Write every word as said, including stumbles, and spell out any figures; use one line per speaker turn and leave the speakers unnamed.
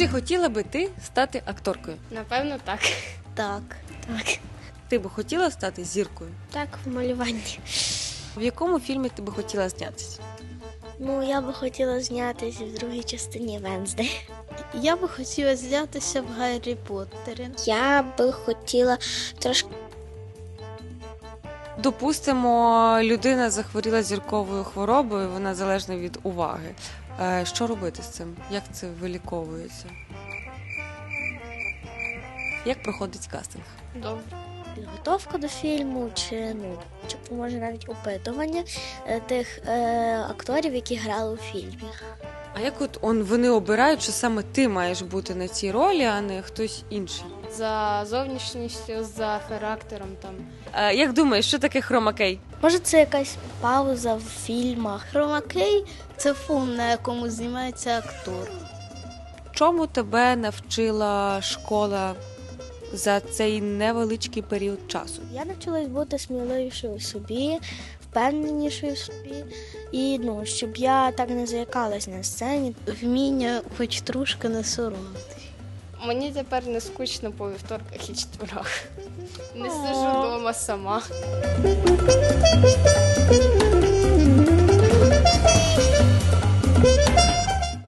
Чи хотіла би ти стати акторкою?
Напевно, так.
Так. Так.
Ти би хотіла стати зіркою?
Так, в малюванні.
В якому фільмі ти би хотіла знятися?
Ну, я би хотіла знятися в другій частині Венздей.
Я би хотіла знятися в Гаррі Поттері.
Я би хотіла трошки.
Допустимо, людина захворіла зірковою хворобою, вона залежна від уваги. Е, Що робити з цим? Як це виліковується? Як проходить кастинг?
Добре.
Підготовка до фільму, чи ну чи може навіть опитування е, тих е, акторів, які грали у фільмі.
А як от он, вони обирають, що саме ти маєш бути на цій ролі, а не хтось інший?
За зовнішністю, за характером там.
Е, Як думаєш, що таке хромакей?
Може, це якась пауза в фільмах.
Хромакей – це фон, на якому знімається актор.
Чому тебе навчила школа за цей невеличкий період часу?
Я навчилась бути сміливішою в собі, впевненішою в собі. І ну, щоб я так не заякалась на сцені.
Вміння хоч трошки не соромитись.
Мені тепер не скучно по вівторках і четверах. Не сиджу вдома сама.